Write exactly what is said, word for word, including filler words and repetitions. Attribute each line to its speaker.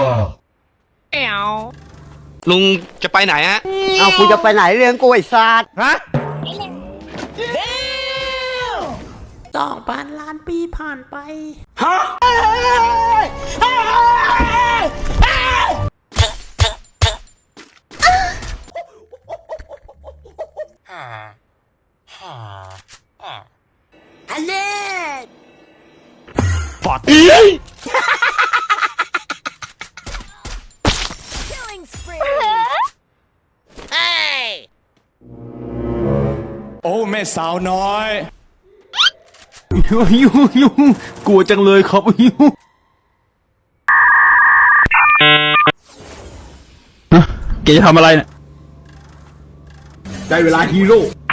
Speaker 1: แอวลุงจะไปไหนฮะ
Speaker 2: เอากูจะไปไหนเรื่องกูไอ้สัตว์
Speaker 1: ฮะ
Speaker 3: สองพันล้านปีผ่านไป
Speaker 1: ฮะ
Speaker 3: ฮัลโหล
Speaker 1: ปอดอี
Speaker 4: โอ้แม่สาวน้อย
Speaker 5: ยูยูยูกลัวจังเลยครับยูแกจะทำอะไรเนี่ยได้เวลาฮีโร่